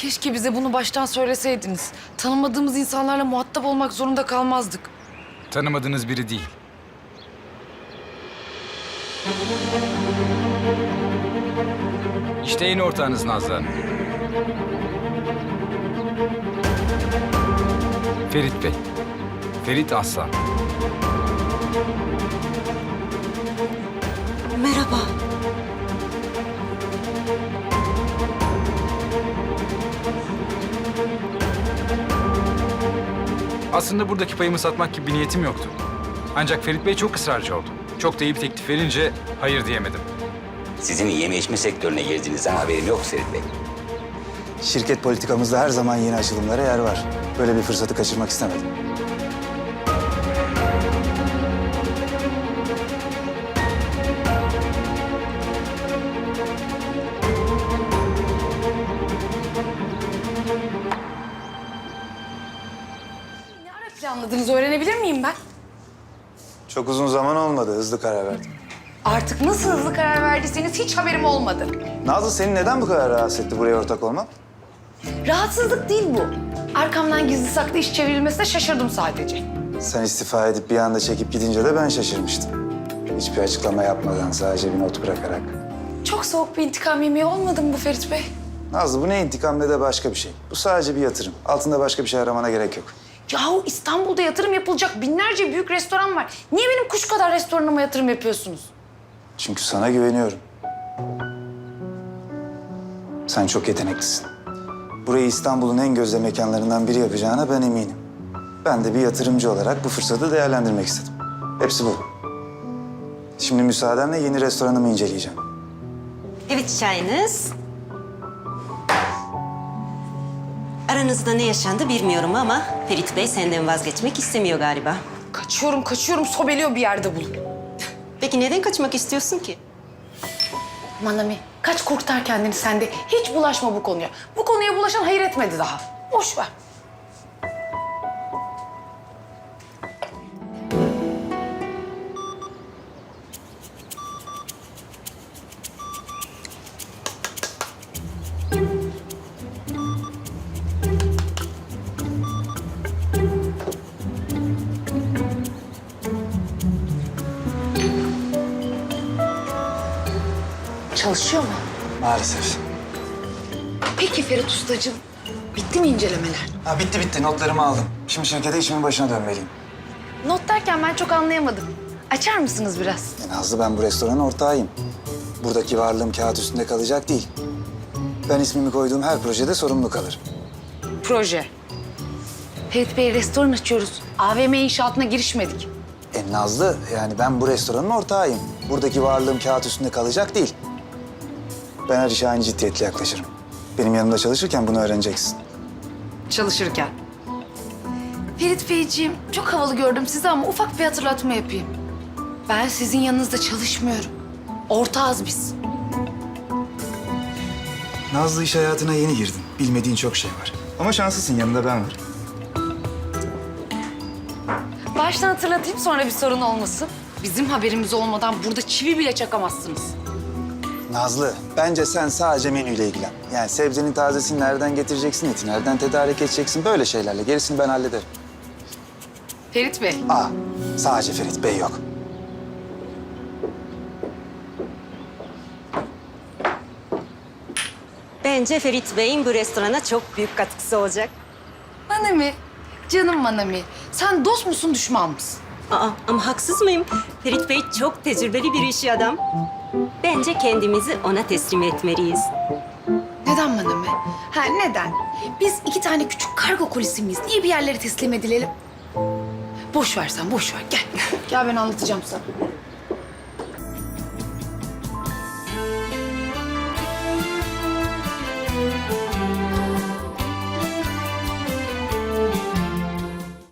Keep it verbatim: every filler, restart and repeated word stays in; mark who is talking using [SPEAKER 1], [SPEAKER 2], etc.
[SPEAKER 1] Keşke bize bunu baştan söyleseydiniz. Tanımadığımız insanlarla muhatap olmak zorunda kalmazdık.
[SPEAKER 2] Tanımadığınız biri değil. İşte yeni ortağınız Nazlı Hanım. Ferit Bey. Ferit Aslan.
[SPEAKER 3] Merhaba.
[SPEAKER 2] Aslında buradaki payımı satmak gibi bir niyetim yoktu. Ancak Ferit Bey çok ısrarcı oldu. Çok da iyi bir teklif verince hayır diyemedim.
[SPEAKER 4] Sizin yeme içme sektörüne girdiğinizden haberim yok Ferit Bey.
[SPEAKER 5] Şirket politikamızda her zaman yeni açılımlara yer var. Böyle bir fırsatı kaçırmak istemedim.
[SPEAKER 1] Ne ara planladınız öğrenebilir miyim ben?
[SPEAKER 5] Çok uzun zaman olmadı, hızlı karar verdim.
[SPEAKER 1] Artık nasıl hızlı karar verdiyseniz hiç haberim olmadı.
[SPEAKER 5] Nazlı, seni neden bu kadar rahatsız etti buraya ortak olmak?
[SPEAKER 1] Rahatsızlık değil bu. Arkamdan gizli saklı iş çevrilmesine şaşırdım sadece.
[SPEAKER 5] Sen istifa edip bir anda çekip gidince de ben şaşırmıştım. Hiçbir açıklama yapmadan, sadece bir not bırakarak.
[SPEAKER 1] Çok soğuk bir intikam yemeği olmadı mı bu Ferit Bey?
[SPEAKER 5] Nazlı, bu ne intikam ne de başka bir şey. Bu sadece bir yatırım. Altında başka bir şey aramana gerek yok.
[SPEAKER 1] Yahu İstanbul'da yatırım yapılacak binlerce büyük restoran var. Niye benim kuş kadar restoranıma yatırım yapıyorsunuz?
[SPEAKER 5] Çünkü sana güveniyorum. Sen çok yeteneklisin. Burayı İstanbul'un en gözde mekanlarından biri yapacağına ben eminim. Ben de bir yatırımcı olarak bu fırsatı değerlendirmek istedim. Hepsi bu. Şimdi müsaadenle yeni restoranımı inceleyeceğim.
[SPEAKER 3] Evet, çayınız. Aranızda ne yaşandı bilmiyorum ama Ferit Bey senden vazgeçmek istemiyor galiba.
[SPEAKER 1] Kaçıyorum, kaçıyorum. Sobeliyor bir yerde bulup.
[SPEAKER 3] Peki neden kaçmak istiyorsun ki?
[SPEAKER 1] Manami, kaç kurtar kendini sen de. Hiç bulaşma bu konuya. Bu konuya bulaşan hayır etmedi daha. Boş ver. Çalışıyor mu?
[SPEAKER 5] Maalesef.
[SPEAKER 1] Peki Ferit Ustacığım, bitti mi incelemeler?
[SPEAKER 5] Ha, bitti bitti. Notlarımı aldım. Şimdi şirkete işimin başına dönmeliyim.
[SPEAKER 1] Not derken ben çok anlayamadım. Açar mısınız biraz?
[SPEAKER 5] E Nazlı, ben bu restoranın ortağıyım. Buradaki varlığım kağıt üstünde kalacak değil. Ben ismimi koyduğum her projede sorumlu kalırım.
[SPEAKER 1] Proje. Ferit Bey, restoran açıyoruz. A V M inşaatına girişmedik.
[SPEAKER 5] E Nazlı, yani ben bu restoranın ortağıyım. Buradaki varlığım kağıt üstünde kalacak değil. Ben her işe aynı ciddiyetle yaklaşırım. Benim yanımda çalışırken bunu öğreneceksin.
[SPEAKER 1] Çalışırken. Ferit Beyciğim, çok havalı gördüm sizi ama ufak bir hatırlatma yapayım. Ben sizin yanınızda çalışmıyorum. Ortağız biz.
[SPEAKER 5] Nazlı, iş hayatına yeni girdin. Bilmediğin çok şey var. Ama şanslısın, yanında ben varım.
[SPEAKER 1] Baştan hatırlatayım, sonra bir sorun olmasın. Bizim haberimiz olmadan burada çivi bile çakamazsınız.
[SPEAKER 5] Nazlı, bence sen sadece menüyle ilgilen. Yani sebzenin tazesini nereden getireceksin, eti nereden tedarik edeceksin, böyle şeylerle. Gerisini ben hallederim.
[SPEAKER 1] Ferit Bey.
[SPEAKER 5] Aa, sadece Ferit Bey yok.
[SPEAKER 3] Bence Ferit Bey'in bu restorana çok büyük katkısı olacak.
[SPEAKER 1] Manami, canım Manami. Sen dost musun, düşman mısın?
[SPEAKER 3] Aa, ama haksız mıyım? Ferit Bey çok tecrübeli bir işi adam. Bence kendimizi ona teslim etmeliyiz.
[SPEAKER 1] Neden Manami? Ha neden? Biz iki tane küçük kargo kulisi miyiz? Niye bir yerlere teslim edilelim? Boş ver sen, boş ver. Gel. Gel ben anlatacağım sana.